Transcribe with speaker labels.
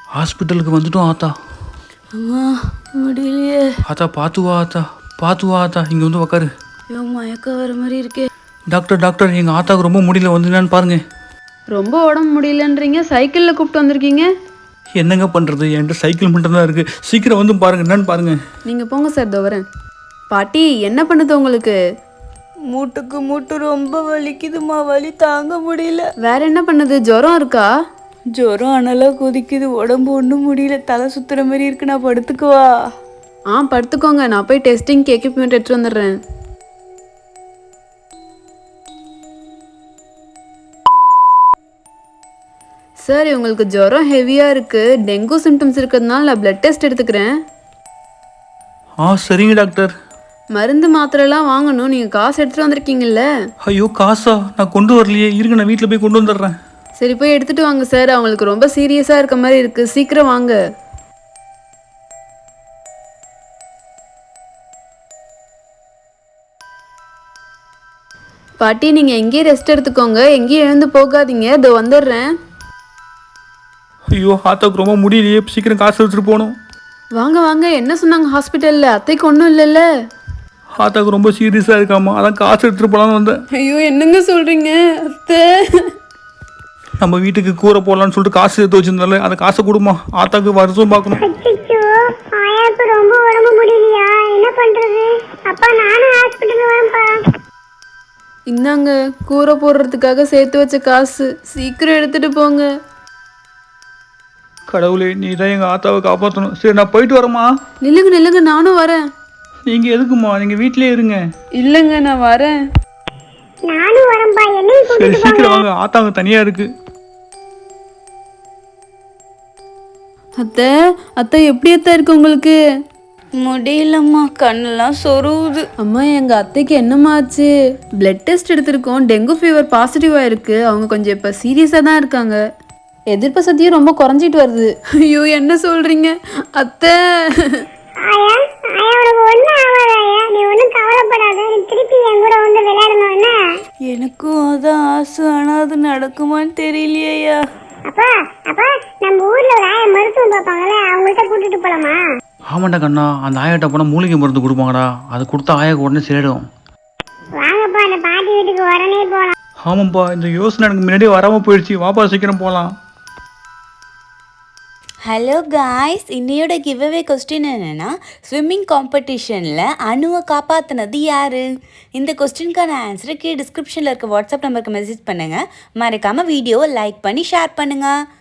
Speaker 1: ஹாஸ்பிட்டலுக்கு வந்துட்டோம் ஆத்தா.
Speaker 2: அம்மா முடியலையே.
Speaker 1: ஆத்தா பார்த்து வா ஆத்தா, பார்த்து வா ஆத்தா. இங்கே வந்து உக்காரு.
Speaker 2: ஐயோ மயக்கம் வர மாதிரி இருக்கே.
Speaker 1: டாக்டர் டாக்டர், எங்கள் ஆத்தாவுக்கு ரொம்ப முடியல, வந்து என்னன்னு பாருங்க.
Speaker 2: ரொம்ப உடம்பு முடியலன்றீங்க, சைக்கிளில் கூப்பிட்டு வந்திருக்கீங்க.
Speaker 1: என்னங்க பண்ணுறது, என்கிட்ட சைக்கிள் மட்டும்தான் இருக்குது. சீக்கிரம் வந்து பாருங்க, என்னன்னு பாருங்க.
Speaker 2: நீங்கள் போங்க சார், இதோ வரேன். பாட்டி என்ன பண்ணுது உங்களுக்கு?
Speaker 3: மூட்டு ரொம்ப வலிக்குதுமா, வலி தாங்க முடியல.
Speaker 2: வேற என்ன பண்ணுது? ஜுரம் இருக்கா?
Speaker 3: ஜுரம் அனலாக கொதிக்குது, உடம்பு ஒன்றும் முடியல, தலை சுத்துற மாதிரி இருக்கு. நான் படுத்துக்குவா?
Speaker 2: படுத்துக்கோங்க, நான் போய் டெஸ்டிங்க்கு எக்யூப்மெண்ட் எடுத்துட்டு வந்துடுறேன். சார் உங்களுக்கு ஜுரம் ஹெவியாக இருக்குது, டெங்கு சிம்டம்ஸ் இருக்கிறதுனால நான் பிளட் டெஸ்ட் எடுத்துக்கிறேன்.
Speaker 1: சரிங்க டாக்டர்.
Speaker 2: மருந்து மாத்திரைலாம் வாங்கணும், நீங்கள் காசு எடுத்துகிட்டு வந்திருக்கீங்கல்ல?
Speaker 1: ஐயோ காசா? நான் கொண்டு வரலையே, இருங்க நான் வீட்டில் போய் கொண்டு வந்துடுறேன்.
Speaker 2: சரி போய் எடுத்துகிட்டு வாங்க சார், அவங்களுக்கு ரொம்ப சீரியஸாக இருக்க மாதிரி இருக்குது, சீக்கிரம் வாங்க. பாட்டி நீங்கள் எங்கேயும் ரெஸ்ட் எடுத்துக்கோங்க, எங்கேயும் எழுந்து போகாதீங்க, இதோ வந்துடுறேன்.
Speaker 1: ஐயோ ஆத்தாவுக்கு ரொம்ப முடியலையே, சீக்கிரம் காசு எடுத்துகிட்டு போகணும்.
Speaker 2: வாங்க வாங்க, என்ன சொன்னாங்க ஹாஸ்பிட்டலில்? அத்தைக்கு ஒன்றும் இல்லைல்ல?
Speaker 1: ஆத்தாவுக்கு ரொம்ப சீரியஸாக இருக்காமா, அதான் காசு எடுத்துகிட்டு போகலான்னு வந்தேன்.
Speaker 2: ஐயோ என்னங்க சொல்கிறீங்க அத்தை?
Speaker 1: நம்ம வீட்டுக்கு கூரை போடலான்னு சொல்லிட்டு காசு எடுத்து வச்சிருந்தால, அந்த காசை கொடுமா, ஆத்தாவுக்கு வருஷம் பார்க்கணும்.
Speaker 4: ஆயாக்கு ரொம்ப உடம்பு முடியலையா, என்ன பண்றது? அப்பா நானும் ஹாஸ்பிட்டல் வரேன்ப்பா.
Speaker 2: இந்தாங்க கூரை போடுறதுக்காக சேர்த்து வச்ச காசு, சீக்கிரம் எடுத்துட்டு போங்க.
Speaker 1: கடவுளே, நீ தான் எங்கள் ஆத்தாவை காப்பாற்றணும். சரி நான் போயிட்டு வரேம்மா.
Speaker 2: நில்லுங்க நில்லுங்க, நானும் வரேன்.
Speaker 1: நீங்கள் எதுக்குமா, நீங்கள் வீட்டிலே இருங்க.
Speaker 2: இல்லைங்க நான் வரேன்.
Speaker 4: நானும் வரேன்ப்பா, என்னையும்
Speaker 1: சரி
Speaker 4: கூட்டிட்டு
Speaker 1: சீக்கிரம்
Speaker 4: போங்க.
Speaker 1: வாங்க, ஆத்தாங்க தனியாக இருக்குது.
Speaker 2: அத்தை அத்தை எப்படி அத்தை இருக்கு உங்களுக்கு?
Speaker 3: முடியலம்மா, கண்ணெல்லாம் சொருவுது.
Speaker 2: அம்மா எங்க அத்தைக்கு என்னமாச்சு? பிளட் டெஸ்ட் எடுத்திருக்கோம், டெங்கு ஃபீவர் பாசிட்டிவாக இருக்கு. அவங்க கொஞ்சம் இப்போ சீரியஸாக தான் இருக்காங்க, எதிர்ப்பு சக்தியும் ரொம்ப குறைஞ்சிட்டு வருது. ஐயோ என்ன சொல்றீங்க அத்தை?
Speaker 4: ஆயா உனக்கு ஒண்ணும் ஆகாது ஆயா, நீ ஒன்றும் கவலைப்படாத. நீ திருப்பி என் கூட வந்து விளையாடணும் என்ன?
Speaker 3: எனக்கும் அதான் ஆசை, ஆனால் அது நடக்குமான்னு தெரியலையா.
Speaker 4: அப்பா நம்ம ஊர்ல ஒரு ஆயா மருத்துவம் பார்ப்பாங்கல்ல, அவங்கள்ட்ட கூட்டிட்டு போலாமா?
Speaker 1: ஆமாண்டா கண்ணா, அந்த ஆயாட்ட போனால் மூலிகை மருந்து கொடுப்பாங்கடா, அது கொடுத்தா ஆயாக்கு உடனே சரிடும்.
Speaker 4: வாங்கப்பா, அந்த பாட்டி வீட்டுக்கு உடனே போலாம்.
Speaker 1: ஆமாப்பா, இந்த யோசனை எனக்கு முன்னாடியே வராமல் போயிடுச்சு. வாப்பா சீக்கிரம் போகலாம்.
Speaker 3: ஹலோ காய்ஸ், இன்னையோட கிவ்அவே கொஸ்டின் என்னென்னா, ஸ்விம்மிங் காம்படிஷனில் அணுவை காப்பாற்றினது யார்? இந்த கொஸ்டினுக்கான ஆன்சரை கீழே டிஸ்கிரிப்ஷனில் இருக்க வாட்ஸ்அப் நம்பருக்கு மெசேஜ் பண்ணுங்கள். மறக்காமல் வீடியோவை லைக் பண்ணி ஷேர் பண்ணுங்கள்.